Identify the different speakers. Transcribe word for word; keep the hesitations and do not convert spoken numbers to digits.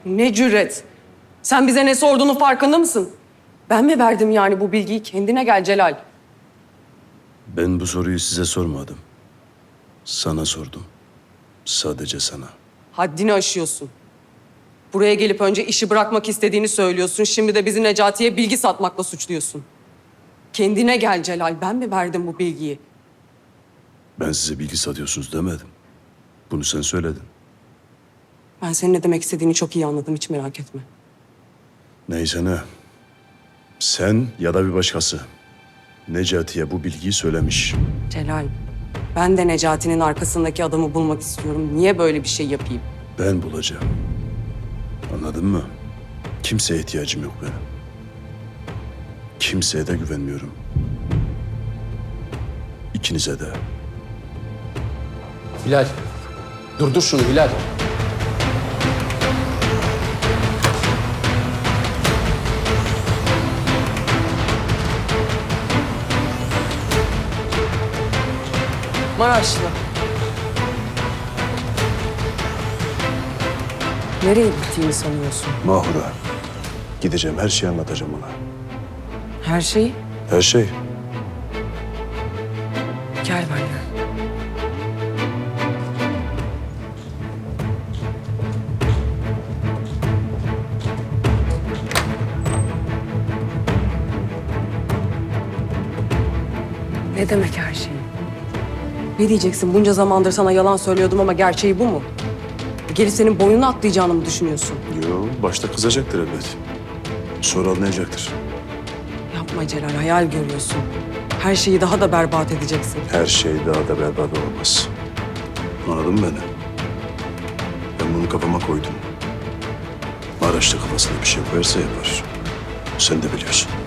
Speaker 1: Ne cüret. Sen bize ne sorduğunun farkında mısın? Ben mi verdim yani bu bilgiyi? Kendine gel Celal.
Speaker 2: Ben bu soruyu size sormadım. Sana sordum. Sadece sana.
Speaker 1: Haddini aşıyorsun. Buraya gelip önce işi bırakmak istediğini söylüyorsun. Şimdi de bizi Necati'ye bilgi satmakla suçluyorsun. Kendine gel Celal. Ben mi verdim bu bilgiyi?
Speaker 2: Ben size bilgi satıyorsunuz demedim. Bunu sen söyledin.
Speaker 1: Ben senin ne demek istediğini çok iyi anladım. Hiç merak etme.
Speaker 2: Neyse ne. Sen ya da bir başkası Necati'ye bu bilgiyi söylemiş.
Speaker 1: Celal, ben de Necati'nin arkasındaki adamı bulmak istiyorum. Niye böyle bir şey yapayım?
Speaker 2: Ben bulacağım. Anladın mı? Kimseye ihtiyacım yok benim. Kimseye de güvenmiyorum. İkinize de.
Speaker 3: Hilal. Durdur şunu Hilal.
Speaker 1: Maraşlı. Nereye gittiğini sanıyorsun?
Speaker 2: Mahura. Gideceğim, her şeyi anlatacağım ona.
Speaker 1: Her şeyi
Speaker 2: Her şey.
Speaker 1: gel benimle. Ne demek her şeyi? Ne diyeceksin? Bunca zamandır sana yalan söylüyordum ama gerçeği bu mu? Gelip senin boynuna atlayacağını mı düşünüyorsun?
Speaker 2: Yo, başta kızacaktır elbet. Sonra anlayacaktır.
Speaker 1: Yapma Celal, hayal görüyorsun. Her şeyi daha da berbat edeceksin.
Speaker 2: Her şey daha da berbat olmaz. Anladın mı beni? Ben bunu kafama koydum. Maraşlı kafasına bir şey koyarsa yapar. Sen de biliyorsun.